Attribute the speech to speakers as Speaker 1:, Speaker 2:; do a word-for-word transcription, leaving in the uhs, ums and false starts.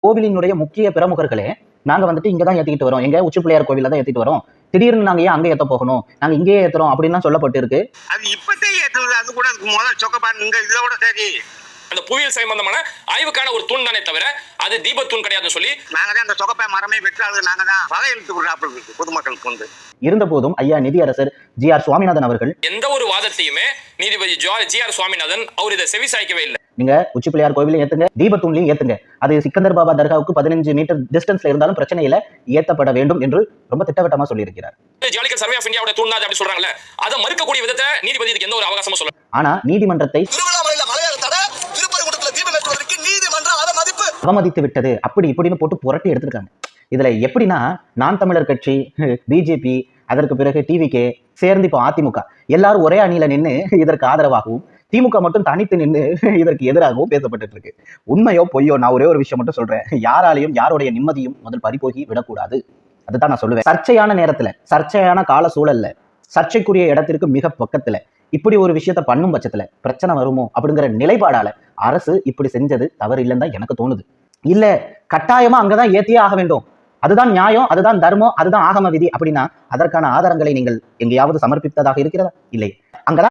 Speaker 1: கோவிலினுடைய முக்கிய பிரமுகர்களே நாங்க வந்துட்டு இங்கதான் ஏத்திக்கிட்டு வரோம், எங்க உச்சி பிள்ளையார் கோவில தான் ஏத்திட்டு வரோம், திடீர்னு நாங்க ஏன் அங்க ஏத்த போகணும், நாங்க இங்கேயே ஏத்துறோம் அப்படின்னு சொல்லப்பட்டு இருக்கு.
Speaker 2: அது இப்பத்தே ஏத்துறது, அது கூட முதல் சொக்கப்பான் இங்க இதோட சரி.
Speaker 3: அந்த புவியியல் சம்பந்தமான ஆய்வுக்கான ஒரு தூண் தானே தவிர அது தீபத்தூண் கிடையாதுன்னு சொல்லி
Speaker 2: நாங்க தான் அந்த சொக்கப்பை மரமே வெற்றாது, நாங்க தான் வகை இழுத்து விடுறாப்புல இருக்கு பொதுமக்களுக்கு வந்து.
Speaker 1: இருந்த போதும் ஐயா நிதியரசர் ஜி ஆர் சுவாமிநாதன் அவர்கள்
Speaker 3: எந்த ஒரு வாதத்தையுமே நீதிபதி ஜி ஆர் சுவாமிநாதன் அவர் இதை செவி சாய்க்கவே இல்லை.
Speaker 1: நீங்க உச்சி பிள்ளையார் கோவிலையும் ஏத்துங்க, தீபத்தூண்லையும் ஏத்துங்க, அது சிக்கந்தர் பாபா தர்காவுக்கு பதினஞ்சு மீட்டர் டிஸ்டன்ஸ்ல இருந்தாலும் பிரச்சனை இல்ல, ஏத்தப்பட வேண்டும் என்று ரொம்ப திட்டவட்டமா சொல்லி இருக்கிறார்.
Speaker 3: ஜியாலஜிக்கல் சர்வே ஆஃப் இந்தியாவோட தூண் அப்படி சொல்றாங்கல்ல, அதை மறுக்கக்கூடிய விதத்தை நீதிபதி இதுக்கு எந்த ஒரு அவகாசமும் சொல்ல.
Speaker 1: ஆனா நீதிமன்றத்தை அவமதித்து விட்டது அப்படி இப்படின்னு போட்டு புரட்டி எடுத்திருக்காங்க. இதுல எப்படின்னா நான் தமிழர் கட்சி, பிஜேபி, அதற்கு பிறகு டிவிகே சேர்ந்து இப்போ அதிமுக எல்லாரும் ஒரே அணியில நின்று இதற்கு ஆதரவாகவும், திமுக மட்டும் தனித்து நின்று இதற்கு எதிராகவும் பேசப்பட்டு இருக்கு. உண்மையோ பொய்யோ, நான் ஒரே ஒரு விஷயம் மட்டும் சொல்றேன், யாராலையும் யாருடைய நிம்மதியும் முதல் பறிபோகி விடக்கூடாது. அதுதான் நான் சொல்லுவேன். சர்ச்சையான நேரத்துல, சர்ச்சையான கால சூழல்ல, சர்ச்சைக்குரிய இடத்திற்கு மிக பக்கத்துல இப்படி ஒரு விஷயத்த பண்ணும் பட்சத்துல பிரச்சனை வருமோ அப்படிங்கிற நிலைப்பாடால அரசு இப்படி செஞ்சது தவறு இல்லைன்னு தான் எனக்கு தோணுது. இல்ல கட்டாயமா அங்கதான் ஏத்தியே ஆக வேண்டும், அதுதான் நியாயம், அதுதான் தர்மம், அதுதான் ஆகம விதி அப்படின்னா அதற்கான ஆதாரங்களை நீங்கள் எங்கேயாவது சமர்ப்பித்ததாக இருக்கிறதா? இல்லை.